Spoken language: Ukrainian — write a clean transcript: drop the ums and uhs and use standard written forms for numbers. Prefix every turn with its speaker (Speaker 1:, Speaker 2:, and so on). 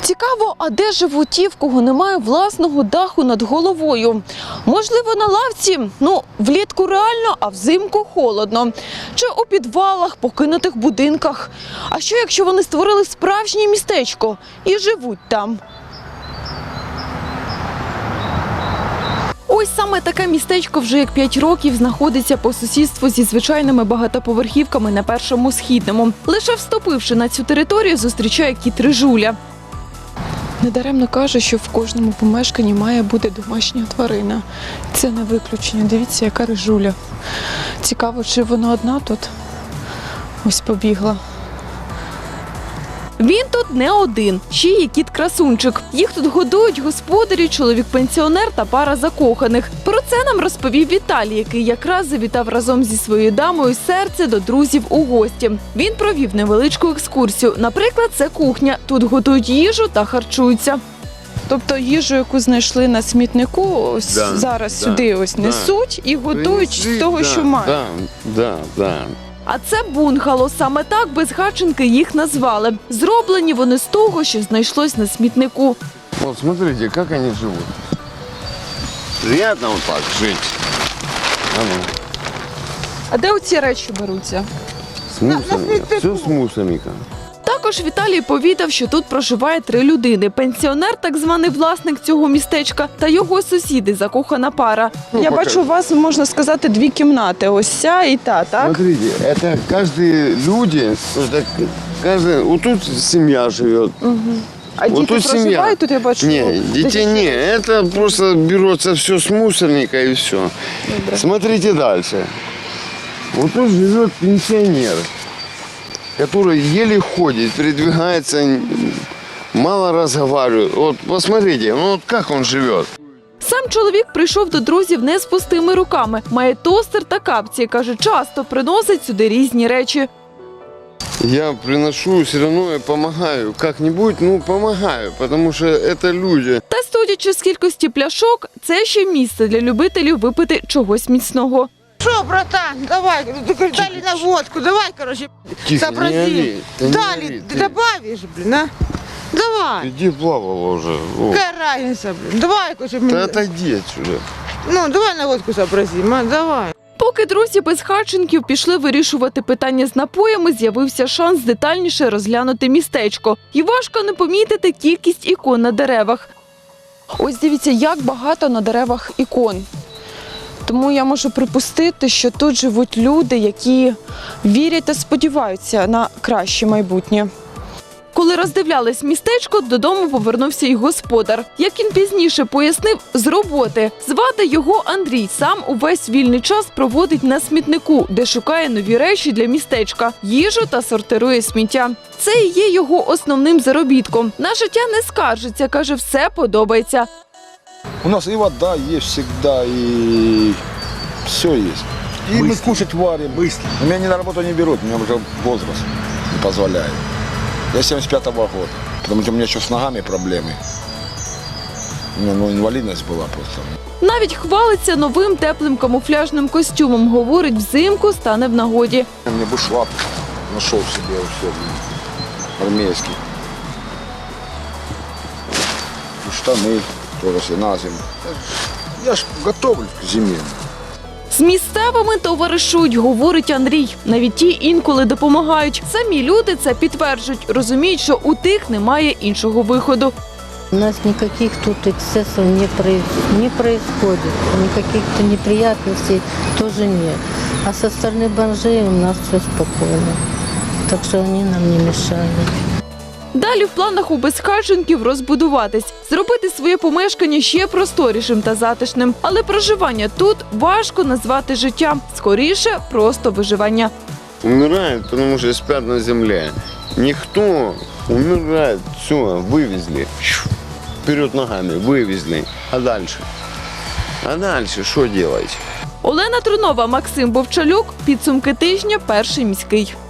Speaker 1: Цікаво, а де живуть ті, в кого немає власного даху над головою? Можливо, на лавці? Влітку реально, а взимку холодно. Чи у підвалах, покинутих будинках? А що, якщо вони створили справжнє містечко і живуть там? Ось саме таке містечко вже як 5 років знаходиться по сусідству зі звичайними багатоповерхівками на Першому Східному. Лише вступивши на цю територію, зустрічає кіт Рижуля. Недаремно каже, що в кожному помешканні має бути домашня тварина. Це не виключення. Дивіться, яка Рижуля. Цікаво, чи вона одна тут? Ось побігла. Він тут не один, ще є кіт-красунчик. Їх тут годують господарі, чоловік-пенсіонер та пара закоханих. Про це нам розповів Віталій, який якраз завітав разом зі своєю дамою серце до друзів у гості. Він провів невеличку екскурсію. Наприклад, це кухня. Тут готують їжу та харчуються. Тобто їжу, яку знайшли на смітнику, ось зараз сюди несуть і готують з того, що мають. А це бунгало. Саме так безхатченки їх назвали. Зроблені вони з того, що знайшлось на смітнику.
Speaker 2: Вот смотрите, как они живут. Приятно вот так жить.
Speaker 1: А де оці речі беруться?
Speaker 2: С мусорами. Все с мусорами.
Speaker 1: Також Віталій повідав, що тут проживає 3 людини. Пенсіонер, так званий власник цього містечка, та його сусіди, закохана пара. Я бачу, у вас, можна сказати, 2 кімнати. Ось ця і та, так?
Speaker 2: Смотрите, это каждые люди, вот тут семья живет.
Speaker 1: А
Speaker 2: вот
Speaker 1: діти
Speaker 2: тут
Speaker 1: проживають тут, я бачу?
Speaker 2: Не, детей не, это просто берется все с мусорника и все.
Speaker 1: Добре.
Speaker 2: Смотрите дальше. Вот тут живет пенсионер, который еле ходит, передвигается, мало разговаривает. Вот посмотрите, вот как он живет.
Speaker 1: Сам чоловік прийшов до друзів не з пустими руками. Має тостер та капці. Каже, часто приносить сюди різні речі.
Speaker 2: Я приношу, все равно я помогаю. Как-нибудь, помогаю, потому что это люди.
Speaker 1: Та судячи з кількості пляшок, це ще місце для любителів випити чогось міцного.
Speaker 3: Что, братан, давай, дали на водку, давай, короче,
Speaker 2: Тихо,
Speaker 3: сообразим.
Speaker 2: не ори, ты не
Speaker 3: Дали,
Speaker 2: ори,
Speaker 3: ты
Speaker 2: ты.
Speaker 3: добавишь, блин, а? Давай,
Speaker 2: Иди плавала уже.
Speaker 3: какая разница, блин, давай, короче,
Speaker 2: Да отойди отсюда.
Speaker 3: давай на водку сообразим, а, давай.
Speaker 1: Поки друзі безхатченків пішли вирішувати питання з напоями, з'явився шанс детальніше розглянути містечко. І важко не помітити кількість ікон на деревах. Ось дивіться, як багато на деревах ікон. Тому я можу припустити, що тут живуть люди, які вірять та сподіваються на краще майбутнє. Коли роздивлялись містечко, додому повернувся й господар. Як він пізніше пояснив, з роботи. Звати його Андрій. Сам увесь вільний час проводить на смітнику, де шукає нові речі для містечка, їжу та сортирує сміття. Це і є його основним заробітком. На життя не скаржиться, каже, все подобається.
Speaker 4: У нас и вода есть всегда, и все есть. И мы кушать варим. Быстро. Меня ни на работу не берут, у меня уже возраст не позволяет. Я 75-го года, потому что у меня еще с ногами проблемы. У меня инвалидность была просто.
Speaker 1: Навіть хвалиться новим теплим камуфляжним костюмом. Говорить, взимку стане в нагоді.
Speaker 4: У меня бушлат нашел себе все армейский. И штаны тоже все на зиму. Я ж готовлю к зиме.
Speaker 1: З місцевими товаришують, говорить Андрій. Навіть ті інколи допомагають. Самі люди це підтверджують. Розуміють, що у тих немає іншого виходу.
Speaker 5: У нас никаких тут эксцессов не происходит, никаких-то неприятностей тоже нет. А со стороны бомжей у нас все спокойно, так что они нам не мешают.
Speaker 1: Далі в планах у безхатченків розбудуватись, зробити своє помешкання ще просторішим та затишним. Але проживання тут важко назвати життям. Скоріше, просто виживання.
Speaker 2: Умирают, потому что спят на земле. Никто умирает, все, вывезли. Вперед ногами, вывезли. А дальше? А дальше что делать?
Speaker 1: Олена Трунова, Максим Бовчалюк. Підсумки тижня. Перший міський.